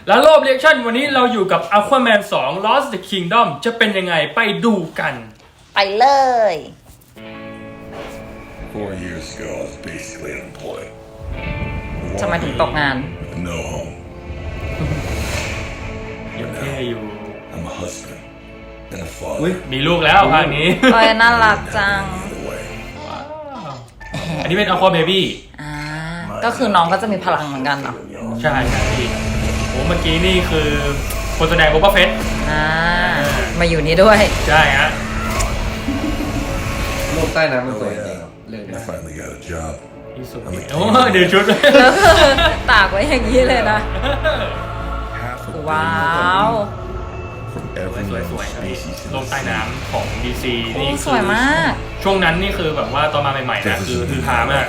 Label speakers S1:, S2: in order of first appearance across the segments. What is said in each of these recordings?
S1: แล้วรอบเรีแอคชั่นวันนี้เราอยู่กับ Aquaman 2 Lost the Kingdom จะเป็นยังไงไปดูกัน
S2: ไปเลย
S3: 4 years ago, I was basically unemployed.
S2: ทำไมถึงตกงาน
S3: With no home.
S1: ยังแค่อยู่
S3: I'm a husband and a father.
S1: มีลูกแล้วภาคนี้
S2: โอ้ยน่ารักจัง
S3: Either way,
S1: อันนี้เป็น Aqua Baby
S2: ก็คือน้องก็จะมีพลังเหมือนกันเนาะ
S1: ใช่ครับพี่โอ้เมื่อกี้นี่คือคนแสดงโอเปอร์เฟส
S2: มาอยู่นี่ด้วย
S1: ใช่ฮะ
S4: โลกใต้น้ำมันสวยจริงเรื่อง
S3: I
S4: นี้
S3: finally got a job.
S1: ที่สุดโอ้เดี๋ยวชุด
S2: ตากไว้อย่างนี้เลยนะ
S3: Half a
S2: ว้าว
S3: from every
S1: สวย
S3: known
S1: ๆครับพี่
S3: species in
S1: โลก
S3: the
S1: ใต้
S3: sea.
S1: น้ำของ DC นี่
S2: สวยมาก
S1: ช่วงนั้นนี่คือแบบว่าตอนมาใหม่ๆนะคือฮามาก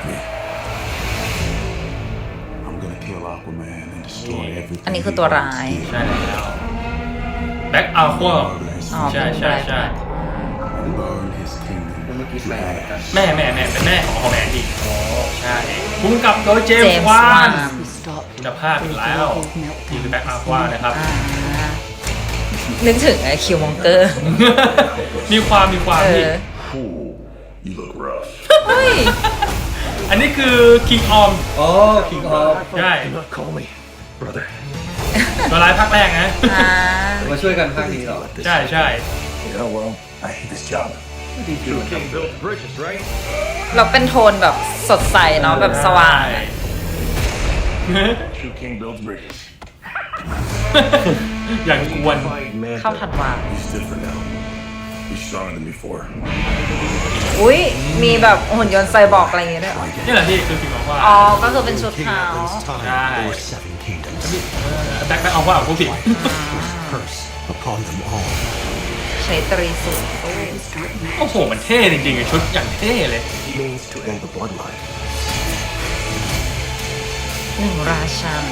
S3: I'm gonna kill Aquaman and destroy everything.
S2: อันนี้คือตัวร้าย
S1: ใช่แล้วแบ็คอัลควา
S2: อ๋อ
S1: ใช่
S2: เป็น
S1: ใช่
S2: แบล็ค
S1: ใช่
S3: And burn his kingdom.
S4: เมื่อกี้แปลกัน
S1: แม่เป็นแม่ของคอมแมนดีใช่พุ่งกับโดยเจม
S2: เจม
S1: ส์
S2: ส์
S1: วาว
S2: าน น
S1: คุณภาพอีกแล้วนี่คือแบ็คอัลควานะครับ
S2: นึกถึงไอ้คิวมองเกอร์
S1: มีความพี่
S3: Ooh, you look rough.
S2: เฮ้ย
S1: อันนี้คือคิงออม
S4: อ๋อคิงออฟ
S1: ใช่
S3: Do not call me brother.
S1: ตัวร้ายภาคแรกนะ
S4: มาช่วยกันภาคนี้เหรอ
S1: ใช่ใช่
S3: Yeah, well, I hate this job.
S2: เราเป็นโทนแบบสดใสเนาะแบบสว่าง
S1: ใช่
S3: True king builds bridges.
S1: อย่างกวน
S2: เข้าทันวา
S3: He's different now. He's stronger than before.
S2: อุ้ยมีแบบหุ่นยนต์ไซบอร์กอะไรอย่างเงี้ยด้วยเหรอ
S1: นี่แหละที่คือคิงออมว่า
S2: อ๋อ ก็คือเป็นชุดขาว
S1: ใช่
S5: Seven kingdoms,
S1: แบ็คอัลควาของผู้ผิด
S5: curse upon them all.
S2: ใช้ตรีสูตร
S1: โอ้โหมันเท่จริงๆชุดอย่างเท่เลย
S5: Means to end the bloodline.
S2: หนึ่งราชัน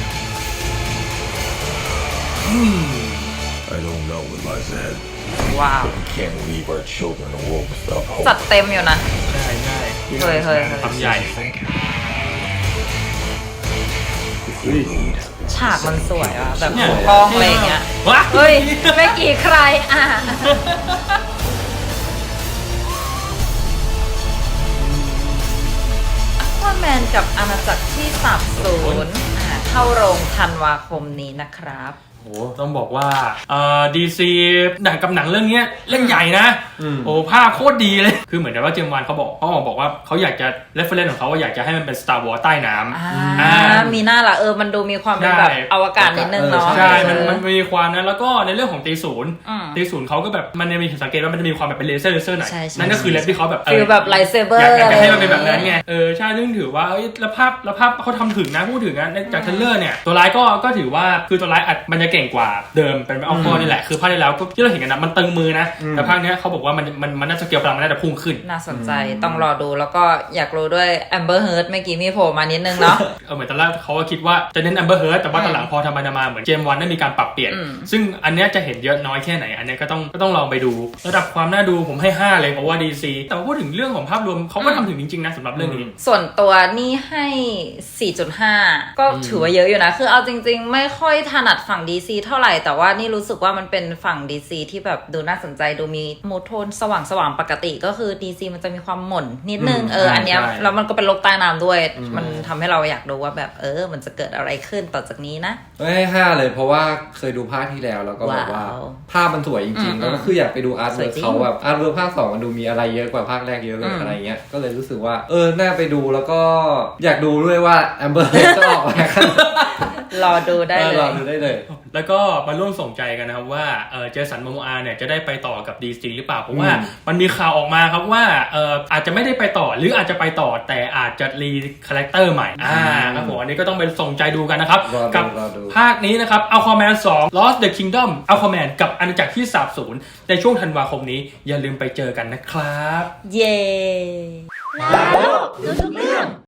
S3: I don't know what lies ahead.
S2: ว้าว
S3: We can't leave our children a world without hope.
S2: จัดเต็มอยู่นะ
S1: ใช่ใช่
S2: เฮ้ยเฮ้ย
S1: ทำใหญ่
S3: If we lead,
S2: ฉากมันสวยอ่ะ แบบมุมกล้องอะไรอย่างเงี้ย
S1: ว้า
S2: เฮ้ยแม่กี่ใครอ่ะว่าแมนกับอาณาจักรที่สาบสูญเข้าโรงธันวาคมนี้นะครับ
S1: โอ้ต้องบอกว่าดีซีหนังกับหนังเรื่องนี้เล่นใหญ่นะโอ้ภาพโคตรดีเลยคือเหมือนกับว่าเจมส์วานเขาบอกว่าเขาอยากจะเรฟเฟอเรนซ์ของเขาว่าอยากจะให้มันเป็น Star Wars ใต้น้ำ
S2: มีหน้าละมันดูมีความเป็นแบบอวกาศนิดนึงเนาะ
S1: ใช่มันมีความนั้นแล้วก็ในเรื่องของตีศูนย์เขาก็แบบมันจะมีสังเกตว่ามันจะมีความแบบเป็นเลเซอร์หน่อยนั่นก็คือเล็บที่เขาแบบ
S2: ฟีลแบบไลท์เซเบอร์
S1: อยากจะให้มันเป็นแบบนั้นไงใช่ซึ่งถือว่าแล้วภาพเขาทำถึงนะพูดถึงนะจากเทรลเลอร์เนี่ยตัวร้ายก็ถือว่าคือตัวร้ายอัดมันจะเก่งกว่าเดิมเป็นอัลฟอนี่แหละคือภาคที่แล้วก็ที่เราเห็นกันนะมันตึงมือนะแต่ภาคนี้เขาบอกว่ามันน่าจะเกี่ยวพลังมันน่าจะพุ่งขึ้น
S2: น่าสนใจต้องรอดูแล้วก็อยากรู้ด้วยแอมเบอร์เฮิร์ตเมื่อกี้มีโผล่มานิดนึงเนาะ
S1: เหมือนตอนแรกเขาก็คิดว่าจะเน้นแอมเบอร์เฮิร์ตแต่ว่าตอนหลังพอทำไปมาเหมือนเจมส์วันได้มีการปรับเปลี่ยนซึ่งอันนี้จะเห็นเยอะน้อยแค่ไหนอันนี้ก็ต้องลองไปดูระดับความน่าดูผมให้5เลยเพราะว่า DC แต่ว่าพูดถึงเรื่องของภาพรวมเขาก็ทำถึงจริงๆนะสำหรับเรื่องนี้
S2: ส่วนตัวนี่ให้ 4.5 ก็ถือว่าเยอะอยู่นะคือเอาจริงๆไม่ค่อยถนัดฝั่ง DC เท่าไหร่แต่ว่านี่รู้สึกว่ามันเป็นฝั่ง DC ที่แบบดูน่าสนใจดูมีมูทโทนสว่างปกติก็คือ DC มันจะมีความหม่นนิดนึงอันเนี้ยแล้วมันก็เป็นโลกใต้น้ำด้วยมันทำให้เราอยากดูว่าแบบมันจะเกิดอะไรขึ้นต่อจากนี้นะ
S4: ให้5เลยเพราะว่าเคยดูภาคที่แล้วแล้วก็แบบว่า
S2: ว้าว
S4: ภาพมันสวยจริงๆแล้วก็คืออยากไปดูอาร์ตเวิร์
S2: สวยจริง
S4: เขาแบบอาร์ตเวิร์ภาค2มันดูมีอะไรเยอะกว่าภาคแรกเยอะเลยอะไรเงี้ยก็เลยรู้สึกว่าน่าไปดูแล้วก็อยากดูด้วยว่าแอมเบอร์จะออกมา
S2: รอดูได้เลย
S4: รอดูได้เลย
S1: แล้วก็มาร่วมส่งใจกันนะครับว่าเจสันโมโมอาเนี่ยจะได้ไปต่อกับ DC หรือเปล่าเพราะว่ามันมีข่าวออกมาครับว่าอาจจะไม่ได้ไปต่อหรืออาจจะไปต่อแต่อาจจะรีคาแรคเตอร์ใหม่ครับผมอันนี้ก็ต้องไปส่งใจดูกันนะครับกัภาคนี้นะครับ Aquaman 2 Lost the Kingdom Aquaman กับอาณาจักรที่สาบสูญในช่วงธันวาคมนี้อย่าลืมไปเจอกันนะครับ
S2: เย้